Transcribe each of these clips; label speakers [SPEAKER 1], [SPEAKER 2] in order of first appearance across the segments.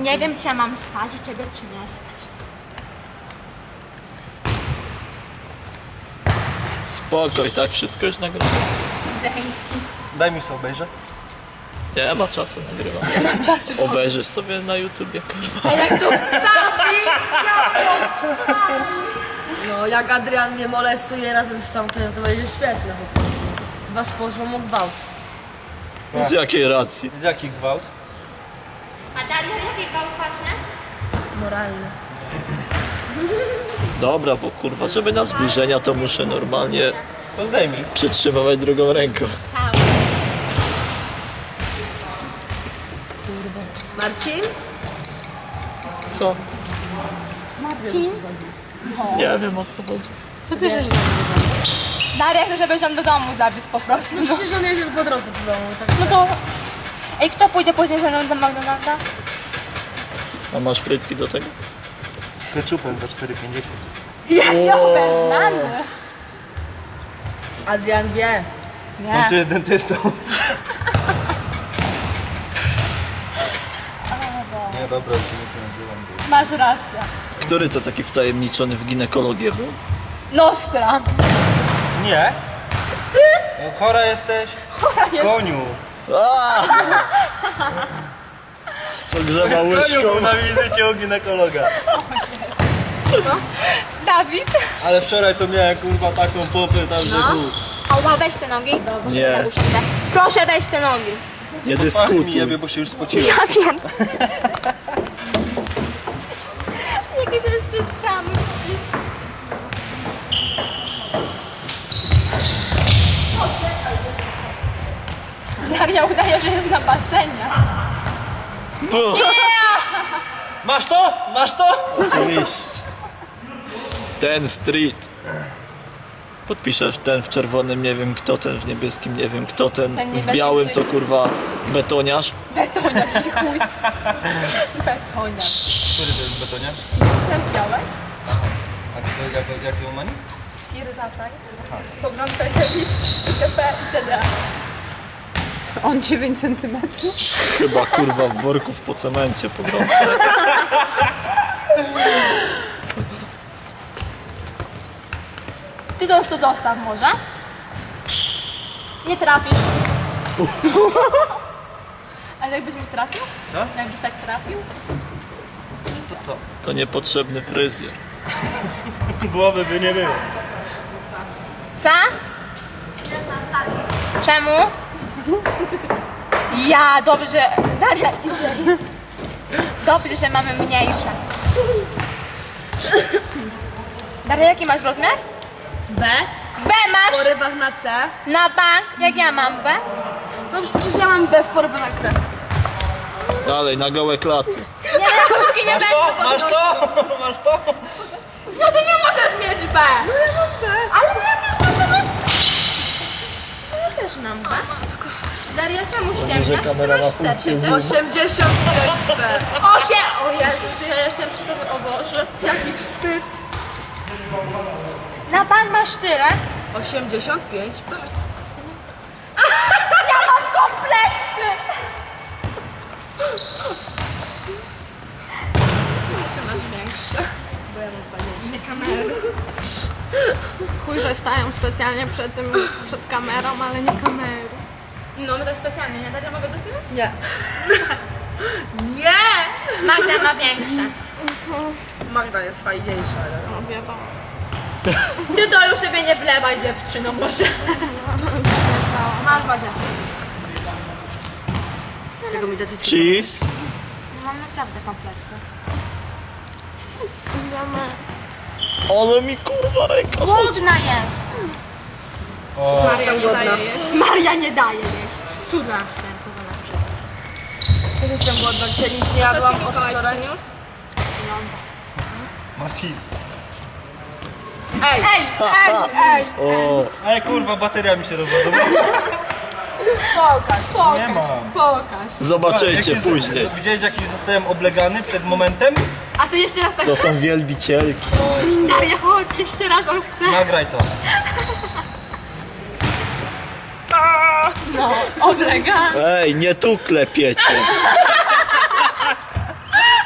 [SPEAKER 1] Nie wiem, czy ja mam spać u ciebie, czy nie spać.
[SPEAKER 2] Spokoj, tak wszystko już nagrywam.
[SPEAKER 1] Dzięki.
[SPEAKER 3] Daj mi sobie obejrzeć.
[SPEAKER 2] Nie ma czasu, nagrywam. Obejrzysz sobie na YouTubie, kurwa.
[SPEAKER 1] A jak to wstawić?
[SPEAKER 4] No, jak Adrian mnie molestuje razem z Tomkiem, to będzie świetne po prostu. Chyba z pozwą o gwałt.
[SPEAKER 2] Z jakiej racji?
[SPEAKER 3] Z jaki gwałt?
[SPEAKER 1] A Daria, jaki gwałt właśnie?
[SPEAKER 4] Moralny.
[SPEAKER 2] Dobra, bo kurwa, żeby na zbliżenia to muszę normalnie
[SPEAKER 3] To zdejmij.
[SPEAKER 2] przytrzymywać drugą ręką.
[SPEAKER 1] Chciałeś.
[SPEAKER 4] Marcin?
[SPEAKER 2] Co?
[SPEAKER 1] Marcin?
[SPEAKER 2] Nie wiem, o co chodzi.
[SPEAKER 1] Co piszesz? Daria chce, żebyś ją do domu zawiózł po prostu.
[SPEAKER 4] No przecież on jedzie po drodze do domu, tak?
[SPEAKER 1] No to... Ej, kto pójdzie później ze mną do McDonalda?
[SPEAKER 2] A masz frytki do tego?
[SPEAKER 3] Z keczupem za 4,50.
[SPEAKER 1] Ja znany.
[SPEAKER 4] Adrian wie.
[SPEAKER 3] On tu
[SPEAKER 1] Nie.
[SPEAKER 3] jest dentystą. Nie, dobra, już się nie nazywam.
[SPEAKER 1] Masz rację.
[SPEAKER 2] Który to taki wtajemniczony w ginekologię był?
[SPEAKER 1] Nostra.
[SPEAKER 3] Nie? Ty? No, chora jesteś? Koniu.
[SPEAKER 2] Co grzeba
[SPEAKER 3] Koniu
[SPEAKER 2] łyżką?
[SPEAKER 3] był na wizycie u ginekologa.
[SPEAKER 1] Dawid.
[SPEAKER 3] Ale wczoraj to miałem kurwa taką pompę tam, że
[SPEAKER 1] Ała, weź te nogi.
[SPEAKER 2] Nie.
[SPEAKER 1] Proszę weź te nogi.
[SPEAKER 2] Nie
[SPEAKER 3] Pach mi
[SPEAKER 2] dyskutuj.
[SPEAKER 3] jebie, bo się już spociłem.
[SPEAKER 1] Ja wiem. Jaki to jesteś chamski. Daria udaje, że jest na basenie.
[SPEAKER 2] Puh,
[SPEAKER 3] Masz to? Masz to?
[SPEAKER 2] oczywiście. Ten street. Podpiszesz ten w czerwonym, nie wiem kto, ten w niebieskim, nie wiem kto, ten
[SPEAKER 1] Ten
[SPEAKER 2] w
[SPEAKER 1] niebieski,
[SPEAKER 2] białym to
[SPEAKER 1] który-
[SPEAKER 2] kurwa betoniarz.
[SPEAKER 1] Betoniarz i chuj. Betoniarz.
[SPEAKER 3] Który to jest betonia?
[SPEAKER 1] Ten białek.
[SPEAKER 3] A to jak ją mani?
[SPEAKER 1] Irzaczaj. Pogląd telewizji, TP itd.
[SPEAKER 4] On 9 cm.
[SPEAKER 2] Chyba kurwa w worków po cemencie pogrążę.
[SPEAKER 1] Ty to już to zostaw może. Nie trafisz. Ale jakbyś mi trafił?
[SPEAKER 3] Co?
[SPEAKER 1] Jakbyś tak trafił?
[SPEAKER 3] To co?
[SPEAKER 2] To niepotrzebny fryzjer.
[SPEAKER 3] Głowy by nie było.
[SPEAKER 1] Co? Czemu? Ja, dobrze, Daria, idzie. Dobrze, że mamy mniejsze. Daria, jaki masz rozmiar?
[SPEAKER 4] B.
[SPEAKER 1] B masz!
[SPEAKER 4] W porywach na C.
[SPEAKER 1] Na bank, jak ja mam B?
[SPEAKER 4] No przecież ja mam B w porywach na C.
[SPEAKER 2] Dalej, na gołe klaty.
[SPEAKER 1] Nie, kciuki nie
[SPEAKER 3] Masz
[SPEAKER 1] będę
[SPEAKER 3] to? Masz
[SPEAKER 1] podnosić.
[SPEAKER 3] to? Masz to?
[SPEAKER 1] No ty nie możesz mieć B!
[SPEAKER 4] No ja mam B. Ale no ja też mam B.
[SPEAKER 1] Ja też mam B. Daria, czemu
[SPEAKER 2] Że
[SPEAKER 1] ściemniasz? Ty
[SPEAKER 2] kamera ma
[SPEAKER 1] masz C
[SPEAKER 2] funkcję
[SPEAKER 1] przecież.
[SPEAKER 4] 85 B.
[SPEAKER 1] 8! O Jezu, ja jestem przy tobie, o Boże. Jaki wstyd. Na bank masz tyle?
[SPEAKER 4] 85 B.
[SPEAKER 1] Ja mam kompleksy! Ty masz większe.
[SPEAKER 4] Bo ja mam fajniejsze.
[SPEAKER 1] Nie kamery.
[SPEAKER 5] Chuj, że stają specjalnie przed kamerą, ale nie kamerą.
[SPEAKER 1] No my tak specjalnie, nie? Daria, mogę dotknąć?
[SPEAKER 4] Nie. Nie!
[SPEAKER 1] Magda ma większe.
[SPEAKER 4] Magda jest fajniejsza. Ale...
[SPEAKER 5] No wiadomo.
[SPEAKER 1] Ty to już sobie nie wlewaj, dziewczyno, może.
[SPEAKER 4] Masz Bazia. Czego mi decyzja?
[SPEAKER 2] Cheese.
[SPEAKER 1] Mam naprawdę kompleksy.
[SPEAKER 2] Ale mi kurwa ręka chodzi.
[SPEAKER 1] Głodna jest.
[SPEAKER 4] Maria nie daje jeść.
[SPEAKER 1] Maria nie daje jeść. Cudna święta zamiast przyjść.
[SPEAKER 4] Też jestem głodna, dzisiaj nic nie jadłam od wczoraj.
[SPEAKER 1] Pieniądze.
[SPEAKER 3] Marcin.
[SPEAKER 4] Ej!
[SPEAKER 1] Ej, ej, ej.
[SPEAKER 2] O,
[SPEAKER 3] Ej kurwa, bateria mi się rozładowała.
[SPEAKER 1] Pokaż.
[SPEAKER 3] Nie mam.
[SPEAKER 1] Pokaż.
[SPEAKER 2] zobaczycie później.
[SPEAKER 3] Widziałeś jaki zostałem oblegany przed momentem?
[SPEAKER 1] A ty jeszcze raz tak
[SPEAKER 2] To
[SPEAKER 1] chcesz?
[SPEAKER 2] są wielbicielki.
[SPEAKER 1] Daria, chodź, jeszcze raz on chce.
[SPEAKER 3] Nagraj to.
[SPEAKER 1] No, oblega.
[SPEAKER 2] Ej, nie tu klepiecie.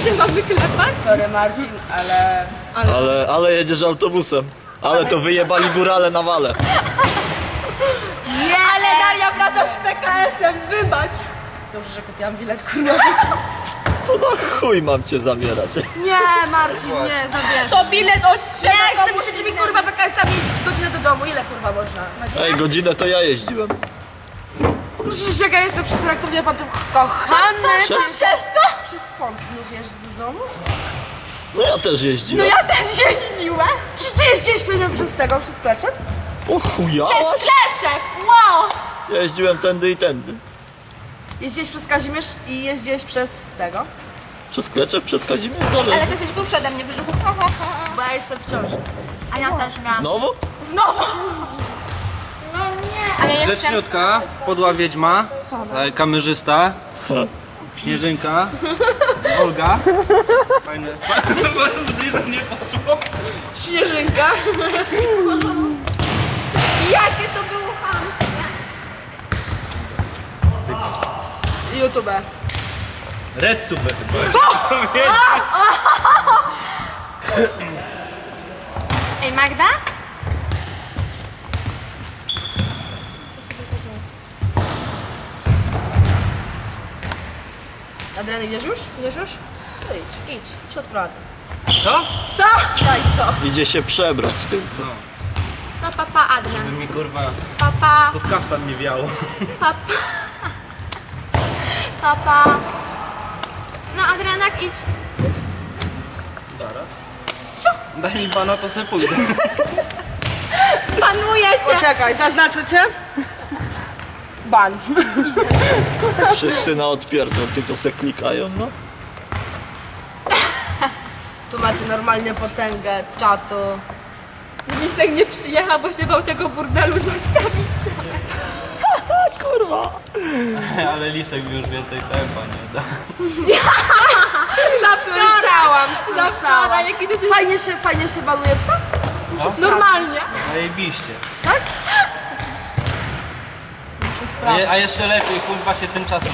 [SPEAKER 5] cię ma wyklepać?
[SPEAKER 4] Sorry Marcin, ale...
[SPEAKER 2] Ale jedziesz autobusem. Ale to wyjebali górale na wale.
[SPEAKER 4] Nie!
[SPEAKER 5] Ale Daria wraca z PKS-em, wybacz.
[SPEAKER 4] Dobrze, że kupiłam bilet, kurwa.
[SPEAKER 2] To na chuj mam cię zabierać.
[SPEAKER 4] Nie, Marcin, nie, zabierz.
[SPEAKER 5] To bilet od
[SPEAKER 4] Nie, chcę przed tymi kurwa PKS-ami jeździć godzinę do domu. Ile kurwa można?
[SPEAKER 2] Ej, godzinę to ja jeździłem.
[SPEAKER 4] No przecież jak ja jeszcze przez jak to wie pan tu kochany.
[SPEAKER 2] Przez-
[SPEAKER 4] Przez pąd znów jeżdżę do domu?
[SPEAKER 2] No ja też jeździłem.
[SPEAKER 5] Ja też jeździłem.
[SPEAKER 4] Przecież ty jeździłeś pewnie przez tego, przez Kleczek?
[SPEAKER 2] O chuja.
[SPEAKER 5] Przez Kleczek, wow.
[SPEAKER 2] Ja jeździłem tędy i tędy.
[SPEAKER 4] Jeździłeś przez Kazimierz i jeździłeś przez tego?
[SPEAKER 2] Przez Kleczew, przez Kazimierz,
[SPEAKER 5] Ale
[SPEAKER 2] dalej.
[SPEAKER 5] ty jesteś głupszy ode mnie, brzuchu.
[SPEAKER 4] Bo ja jestem w ciąży.
[SPEAKER 5] A ja też miałam.
[SPEAKER 2] Znowu?
[SPEAKER 5] Znowu. No nie. Ale jestem...
[SPEAKER 3] Grzeczniutka, podła wiedźma, kamerzysta, Śnieżynka, Olga. Fajne. Bliżej nie poszło.
[SPEAKER 4] Śnieżynka.
[SPEAKER 5] Jakie to było chamskie.
[SPEAKER 4] YouTube.
[SPEAKER 3] Red tube chyba.
[SPEAKER 5] Ej, Magda?
[SPEAKER 4] Adrian, idziesz już?
[SPEAKER 5] Idziesz już?
[SPEAKER 4] To idź. Idź. Cię odprowadzę.
[SPEAKER 3] Co?
[SPEAKER 4] Co? Daj, co?
[SPEAKER 2] Idzie się przebrać tylko.
[SPEAKER 5] No papa, Adrian.
[SPEAKER 3] By mi kurwa
[SPEAKER 5] Papa,
[SPEAKER 3] pod kaftan nie wiało.
[SPEAKER 5] papa. Papa. No Adrianak, idź.
[SPEAKER 3] Daj mi bana, to se pójdę.
[SPEAKER 5] Panujecie.
[SPEAKER 4] Poczekaj, zaznaczę cię. Ban.
[SPEAKER 2] Wszyscy na odpierdol, tylko se klikają, no.
[SPEAKER 4] Tu macie normalnie potęgę czatu.
[SPEAKER 5] Lisek nie przyjechał, bo się bał tego burdelu zostawić sam.
[SPEAKER 2] Kurwa.
[SPEAKER 3] Ale Lisek mi już więcej tempa nie da.
[SPEAKER 4] Słyszałam,
[SPEAKER 5] Na
[SPEAKER 4] słyszałam.
[SPEAKER 5] wczoraj, jaki ty jesteś
[SPEAKER 4] Fajnie się baluje psa?
[SPEAKER 5] normalnie.
[SPEAKER 3] Zajebiście.
[SPEAKER 4] Tak?
[SPEAKER 3] A jeszcze lepiej, kurwa się tymczasem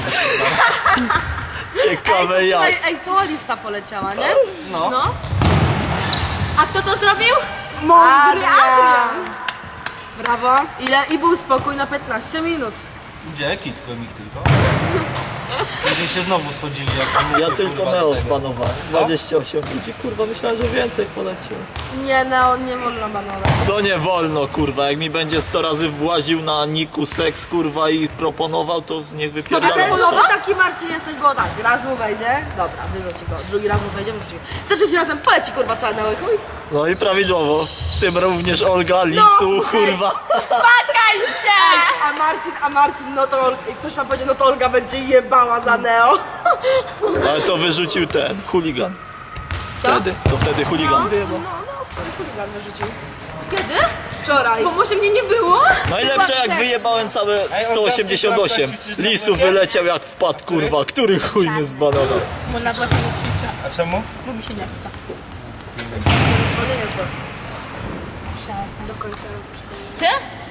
[SPEAKER 2] Ciekawe jak.
[SPEAKER 4] Ej, cała lista poleciała, nie?
[SPEAKER 3] No.
[SPEAKER 5] No. A kto to zrobił?
[SPEAKER 4] Mądry
[SPEAKER 5] Adrian.
[SPEAKER 4] Brawo. Ile? I był spokój na 15 minut.
[SPEAKER 3] Gdzie? Kicłem ich tylko. Później się znowu schodzili jak
[SPEAKER 2] Ja tylko
[SPEAKER 3] kurwa,
[SPEAKER 2] Neo
[SPEAKER 3] do tego.
[SPEAKER 2] zbanowałem. 28 ludzi, kurwa, myślałem, że więcej poleciło.
[SPEAKER 4] Nie, Neo, nie wolno banować.
[SPEAKER 2] Co nie wolno, kurwa, jak mi będzie 100 razy właził na niku seks, kurwa, i proponował, to niech wypierdala.
[SPEAKER 4] Ale taki Marcin jesteś, bo tak, raz mu wejdzie, dobra, wyrzuci go, drugi raz mu wejdzie, wyrzuci go. Za trzecim razem poleci kurwa całe Neo i chuj.
[SPEAKER 2] No i prawidłowo. W tym również Olga, Lisu, kurwa.
[SPEAKER 5] Pakaj się!
[SPEAKER 4] A Marcin, no to ktoś tam powiedział, no to Olga będzie jebała za Neo.
[SPEAKER 2] Ale to wyrzucił ten, chuligan.
[SPEAKER 4] Co?
[SPEAKER 2] Wtedy chuligan wyjebał.
[SPEAKER 4] No, wczoraj chuligan wyrzucił.
[SPEAKER 5] Kiedy?
[SPEAKER 4] Wczoraj.
[SPEAKER 5] Bo może mnie nie było.
[SPEAKER 2] Najlepsze jak wyjebałem całe 188. Lisu wyleciał jak wpadł, kurwa. Który chuj mnie zbanował?
[SPEAKER 5] Bo na własnie nie ćwiczę,
[SPEAKER 3] A czemu?
[SPEAKER 5] bo mi się nie chce.
[SPEAKER 4] Zwolnienie słów.
[SPEAKER 5] Przestań.
[SPEAKER 4] Do końca roku.
[SPEAKER 5] Ty?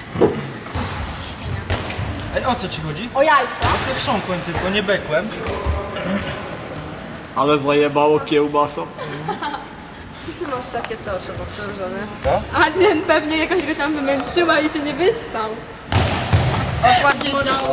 [SPEAKER 3] Ej, o co ci chodzi?
[SPEAKER 5] O jajco.
[SPEAKER 3] Ja se chrząkłem tylko, nie bekłem.
[SPEAKER 2] Ale zajebało kiełbasą.
[SPEAKER 4] Ty masz takie co oczy powtórzone.
[SPEAKER 5] Adrian pewnie jakoś go tam wymęczyła i się nie wyspał.
[SPEAKER 4] Okładnie